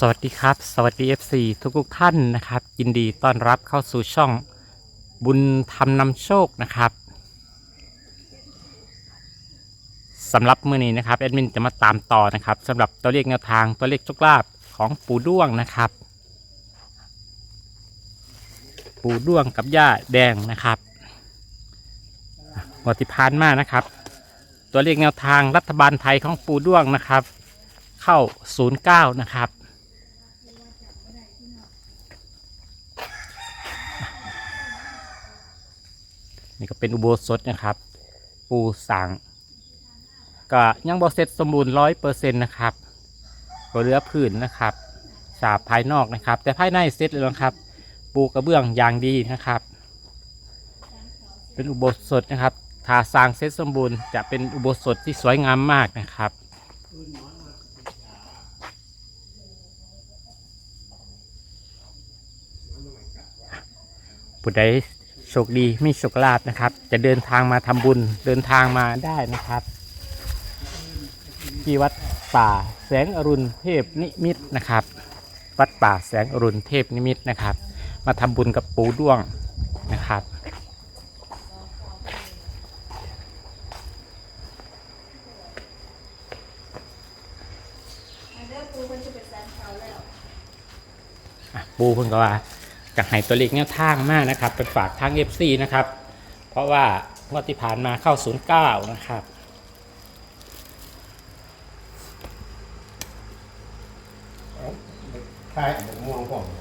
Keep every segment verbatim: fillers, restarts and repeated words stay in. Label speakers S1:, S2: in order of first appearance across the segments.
S1: วัสดีครับสวัสดี เอฟ ซี ทุกทุกท่านนะครับยินดีต้อนรับเข้าสู่ช่องบุญธรรมนำโชคนะครับสำหรับมื้อนี้นะครับแอดมินจะมาตามต่อนะครับสำหรับตัวเลขแนวทางตัวเลขโชคลาภของปู่ด้วงนะครับปู่ด้วงกับย่าแดงนะครับงวดที่ผ่านมานะครับตัวเลขแนวทางรัฐบาลไทยของปู่ด้วงนะครับเข้าศูนย์เก้านะครับนี่ก็เป็นอุโบสถนะครับปูสั่งก็ยังบ่เสร็จสมบูรณ์ร้อยเปอร์เซ็นต์นะครับก็เหลือพื้นนะครับฉาบภายนอกนะครับแต่ภายในเสร็จแล้วนะครับปูกระเบื้องอย่างดีนะครับเป็นอุโบสถนะครับถ้าสร้างเสร็จสมบูรณ์จะเป็นอุโบสถที่สวยงามมากนะครับผู้ใดโชคดีมีโชคลาภนะครับจะเดินทางมาทำบุญเดินทางมาได้นะครับที่วัดป่าแสงอรุณเทพนิมิตรนะครับวัดป่าแสงอรุณเทพนิมิตรนะครับมาทำบุญกับปู่ด้วงนะครับปู่เพิ่งก็ว่าจะให้ตัวเลขแนวทางมากนะครับเป็นฝากทาง เอฟ ซี นะครับเพราะว่างวดที่ผ่านมาเข้าศูนย์เก้านะครับ
S2: ใช่ผมมองผม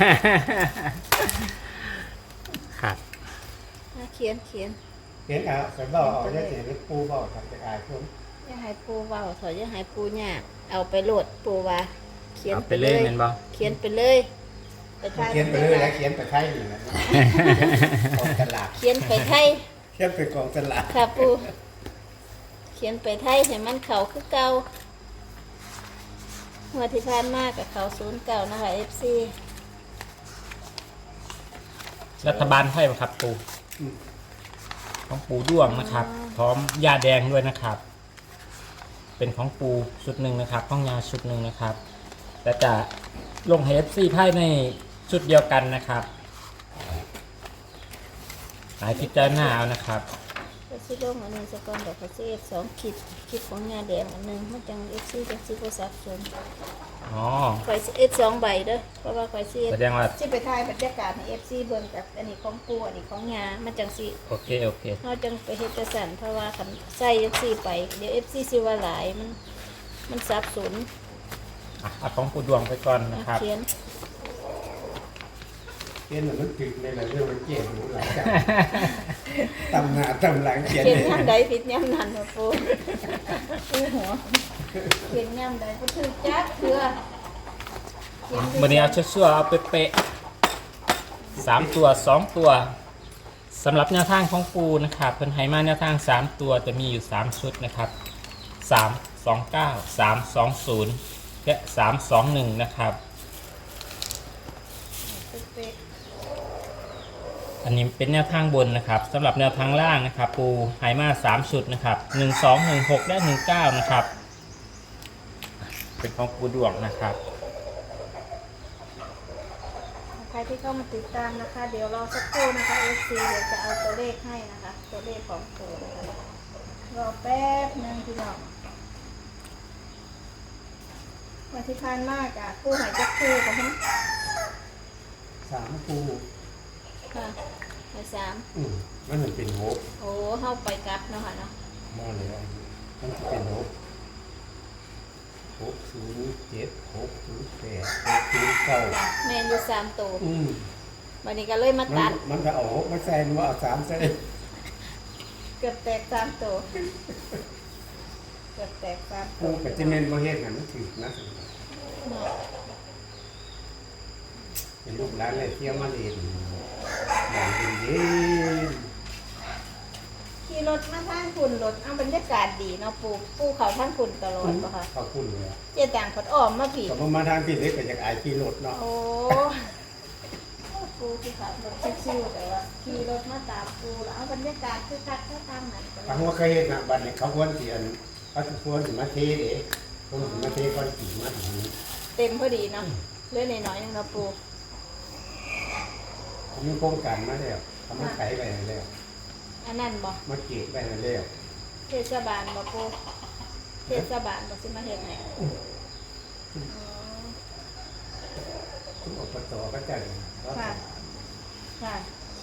S1: ครับ
S3: เขียนเขียน
S2: เห็นอ่ะแต่บอกเอาได้เสียงปูบอกทำจะอายผม
S3: อย่าให้ปูเว้าถอยอย่าให้ปูยากเอาไปโหลดปูว่าเขียน
S1: เอา
S3: ไป
S1: ไป
S3: เล
S1: เลย
S3: ย
S1: แม่นบ่
S3: เขียนไปเลยไปทาย
S2: เขียนไปเรื่อยแล้วเขียนไปไทยอยู่นะกองสลาก
S3: เขียนไปไทย
S2: เขียนไปกองสลาก
S3: ค่ะปูเขียนไปไทยให้มันเขาคือเก่าเมื่อที่ผ่านมากับเขาศูนย์เก่านะคะ เอฟ ซี
S1: รัฐบาลไทยครับปู่ของปู่ด้วงนะครับพร้อมยาแดงด้วยนะครับ เป็นของปูชุดหนึ่งนะครับของยาชุดหนึ่งนะครับแต่จะลงให้ เอฟ ซี ภายในชุดเดียวกันนะครับหลายพิจารณาเอานะครับ
S3: ก็ซื้อลงอันหนึงสกอนเดี๋ยวเขาซื้อสองขีดขีดของงาแดงอันหนึงมันจัง เอฟ ซี จังซื้อโทรศัพท์ส่วน
S1: อ๋อ
S3: ไฟเอฟสองใบเด้อเพราะว่าไฟซี
S1: แสดงว่า
S3: สิไปถ่ายบรรยากาศให้เอฟซีเบิ่งกับอันนี้ของปูอันนี้ของงามันจังสิ
S1: โอเคโอเค
S3: เฮาจังไปเฮ็ดจังซั่นเพราะว่าคันใส่จังซี่ไปเดี๋ยว เอฟ ซี สิว่าหลายมันมันสับสน
S1: อ่ะเอาของปูดวงไปก่อนนะ
S3: อ่ะ
S1: ครับ
S3: เขียน
S2: เขียนเหมือนมันถึกเลยแหละเรื่องมันเกี่ยวหูหลังจากตำหน้าตำหลังเขียน
S3: เขียน
S2: เลย
S3: ยามใดผิดยามนั้นบ่ปูปูหัวเขียนยามใดบ่ถูกจักเทื่อเขียน
S1: วันนี้เอาชั่วๆเอาเป๊ะๆสามตัวสองตัวสำหรับแนวทางของปูนะครับเพิ่นให้มาแนวทางสามตัวจะมีอยู่สามชุดนะครับสาม สอง เก้า สาม สอง ศูนย์และสาม สอง หนึ่งนะครับ
S3: เป๊ะ
S1: อันนี้เป็นแนวทางบนนะครับสำหรับแนวทางล่างนะครับปูไฮมาสามชุดนะครับหนึ่งสองหนึ่งหกและหนึ่งเก้านะครับเป็นของปูดวงนะครับ
S3: ๆใครที่เข้ามาติดตามนะคะ เดี๋ยวรอสักครู่นะคะ เอฟ ซี เดี๋ยวจะเอาตัวเลขให้นะคะตัวเลขของปูนะคะรอแป๊บนึงพี่น้องวันที่ผ่านมากอ่ะคู่หายจักคู่กับฮะ
S2: สามปู
S3: ค่ะหายสาม
S2: อืมมันเหมือนเป็นโฮป
S3: โอ้เข้าไปกลับเนาะค่ะเนาะ
S2: มองเลยมันจะเป็นโฮปหกศูนย์เจ็ดหกศูนย์แปดหกศูนย์เก้า
S3: แมนอยู่สามตัว
S2: อืม
S3: วันนี้ก็เลยมา
S2: มัน
S3: ตัด
S2: มันจะเอาหกมาใส่มันเอาสามใส่
S3: เกือบแตกสามตัวเกือบแตกสามตั
S2: ปู
S3: ว
S2: กับเจเมนโมเฮ็ดกันมันถึกนะ
S3: เนาะ
S2: เป็นลูกหลานเลยเที่ยวมาเรียนอย่างเย็นเย็น
S3: ขี่รถมาทางคุณรถเอาบรรยากาศดีเนาะปูปูเขาทางคุณตลอดปะคะ
S2: ขอบคุณเลย
S3: เจ๊ต่างผดอ้อมมาผี
S2: ก็มาทางพี่เล็กก็อยากอายขี่รถเนาะ
S3: โอ้ปูที่ขับรถชิวๆแต่ว่าขี่รถมาตามปูแล้วเอาบรรยากาศคือคักแค่ทางไหนก็
S2: ทางว่าเคยเห็นนะบัดนี้เขาควรเสียนเขาควรถึงมาเทเด็กควรถึงมาเทก้อนสีมาถึงนี้
S3: คเต็มพอดีเนาะเหลือหน่อยๆนึงเนาะปู
S2: มีโครงการมาแล้วทำมาไขไปแล้ว
S3: อันนั้นบ่
S2: มาเก็บไปแล้ว
S3: เทศบาลบ่ปูเทศบาลบ่สิมาเฮ็ดให้อ๋อ
S2: คุณอบตก็จัด
S3: ค่ะค่ะ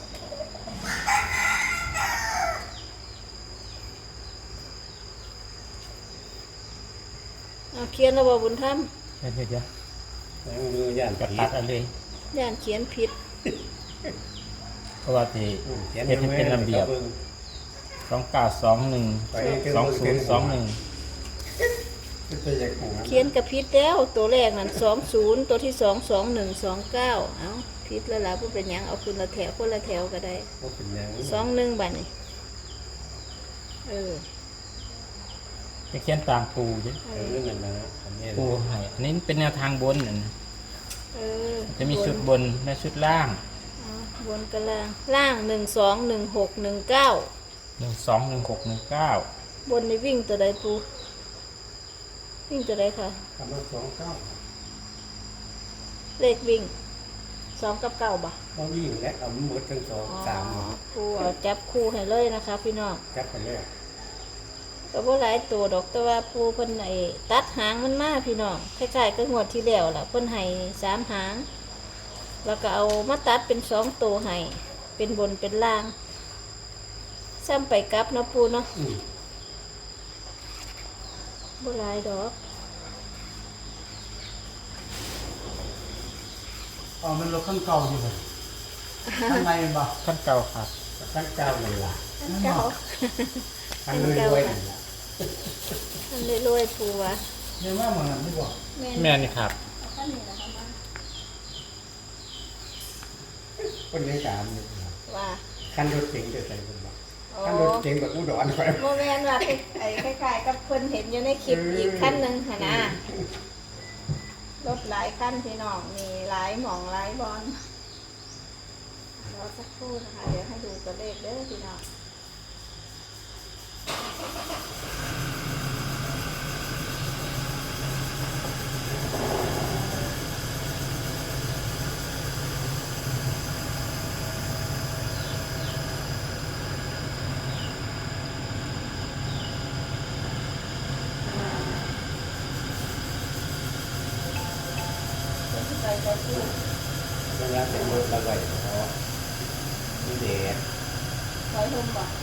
S3: เอาเขียนแล้วบ่บุญธรรม
S1: เดี๋ยวเดี๋ยวเดี๋ยว
S2: แล้วมือย่าน
S1: กระ
S2: ผี
S1: ตัดเอะไร
S3: ย่านเขียนผิด
S1: เพราะว่าที่
S2: เขียน
S1: เฮ็ดให้เป็นระเบียบสองเก้าสองหนึ่งสองศูนย์สองหนึ่ง
S2: เป็นอย่างของ
S3: เขียนกับผิดแล้วตัวแรกนั่นสองศูนย์ตัวที่สองสองหนึ่งสองเก้าเอ้าผิดแล้วล่ะผู้เป็นหยังเอาคืนละแถวคนละแถวก็ได้
S2: ก็เป็นอย่าง
S3: สองหนึ่งบัดนี่เออ
S1: จะเขียนตามปูจ้ะ
S3: เอ
S2: เอ
S3: อ
S2: อนั่นนะอันนี้
S1: ปูให้อันนี้เป็นแนวทางบนนั่นนะ
S3: เออ
S1: จะมีชุดบนและชุดล่าง
S3: อ๋อบนกับล่างล่างหนึ่งสองหนึ่งหกหนึ่งเก้า
S1: หนึ่งสองหนึ่งหกหนึ่งเก้า
S3: บนในวิ่งตัวใดปูวิ่งตัวใดค่ะ
S2: คำว่าสองเก้า
S3: เลขวิ่งสองกับเก้าบ่
S2: เขาวิ่งและเอาหมดทั้งสอง
S3: อ๋อ
S2: สาม
S3: ปูเอาจับคู่ให้เลยนะคะ พี่น้อง
S2: จับไปแล้ว
S3: ก็บ่หลายตัวดอกแต่ว่าปูเพิ่นไอ้ตัดหางมันมาพี่น้องคล้ายๆกับงวดที่แล้วล่ะเพิ่นให้สามหาง แล้วก็เอามาตัดเป็นสองตัวให้เป็นบนเป็นล่างซ้ำไปกลับเนาะปูเนาะ
S2: อืม
S3: บ่หลายดอก
S4: อ๋อมันรถขั้นเก่าอยู่เลยข้างในมันบ่
S1: ขั้นเก่าครับ
S2: ทั้งเก้าเลยล่ะ
S3: อันเก่า
S2: ทั้งรวยๆนั่นล่ะ
S3: อันรวยๆปูวะ
S4: เนี่ยว่าเหมือนกันไม่บอก
S1: แม่นี่ครับ
S3: อันนี้นะคะมา
S2: คนยังสามอยู่
S3: ว่า
S2: คันรถเก๋งจะใส่คนบอก
S3: โอ้
S2: คันรถเก๋งแบบอุดรไป
S3: โมเมนต์ว่าไอ้คล้ายๆกับเพิ่นเห็นอยู่ในคลิปอีกขั้นหนึ่งค่ะนะรถหลายขั้นพี่น้องมีหลายหม่องหลายบอลรอสักครู่นะคะ เดี๋ยวให้ดูตัวเลขเด้อพี่น้อง ไปไปพูด
S2: เวลาเป็นรถระบายเพราะมีแดด
S3: ไปลมบ่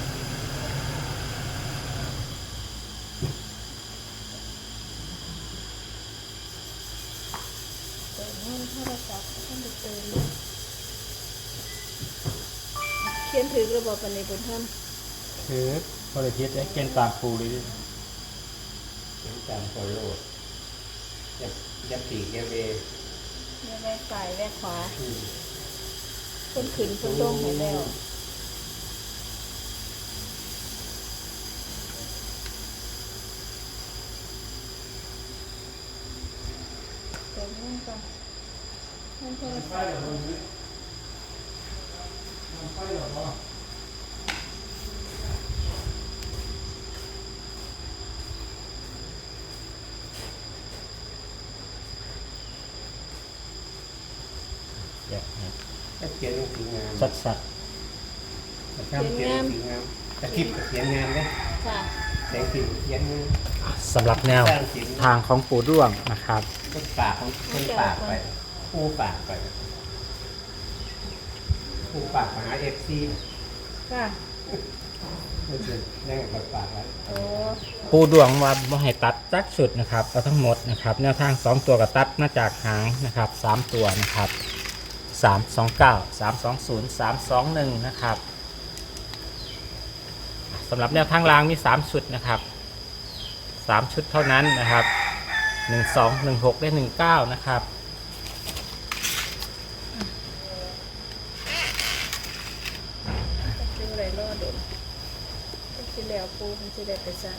S3: เติมเงินโทรศัพท์ต้องไปเติมเขียนถือระบบปันในบนท่าน
S1: คือบริพิษได้เขียนตามปูเลยดิ
S2: เป็นตามโคโลดยับยับปีกยับเบ
S3: เนี่ยแวกซ้ายแวกขวา
S2: อืม
S3: เพิ่นขึ้นเพิ่นลงให้แล้วเติมเงินก่อนเงินโทร
S4: ไฟ
S3: ศัพท์
S4: เหรอมันมันไฟเหรอวะ
S1: เดี๋ยวให้
S2: ถ้าเขียนลงสีงาม
S1: สัดสัด
S2: ถ้าเขียนลงสีงามตะคลิปก็เขียนงามเลย
S3: ค่ะ
S2: แต่งสีเขียนงาม
S1: สำหรับแนวทางของปูด้วงนะครับ
S2: ต้นปากของต้นปากไปคู่ปากไปคู่ปากมาหาเอฟซี
S3: ค่ะ
S2: มันจะแน่งกับปากไว้
S3: โอ้
S1: ปูดวงว่าบ่ให้ตัดจักสุดนะครับเอาทั้งหมดนะครับแนวทางสองตัวกับตัดมาจากหางนะครับสามตัวนะครับสามสองเก้าสามสองศูนย์สามสองหนึ่งนะครับสำหรับแนวทางรางมีสามชุดนะครับสามชุดเท่านั้นนะครับหนึ่งสองหนึ่งหกและหนึ่งเก้านะครับ
S3: เป็นไรรอดดเป็นสิแล้วปูมันสิได้ไปสั่น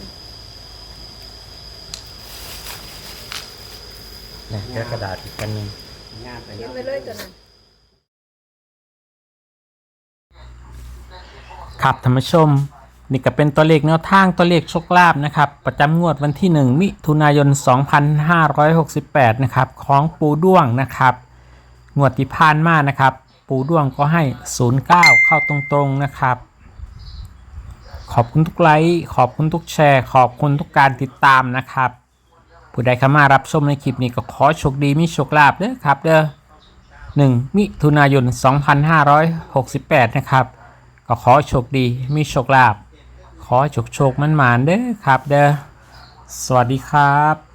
S1: เนี่ยแค่กระดาษอีกกันหนึ่ง
S2: งามไป
S3: เขียน
S2: เนาะ
S3: ไปเลยตัวนั้น
S1: ครับท่านผู้ชมนี่ก็เป็นตัวเลขแนวทางตัวเลขโชคลาภนะครับประจำงวดวันที่หนึ่งมิถุนายนสองพันห้าร้อยหกสิบแปดนะครับของปูด้วงนะครับงวดที่ผ่านมานะครับปูด้วงก็ให้ศูนย์เก้าเข้าตรงๆนะครับขอบคุณทุกไลค์ขอบคุณทุกแชร์ขอบคุณทุกการติดตามนะครับผู้ใดเข้ามารับชมในคลิปนี้ก็ขอโชคดีมีโชคลาภเด้อครับเด้อหนึ่งมิถุนายนสองพันห้าร้อยหกสิบแปดนะครับก็ขอโชคดีมีโชคลาภขอโชคโชคมันหมานเด้อครับเด้อสวัสดีครับ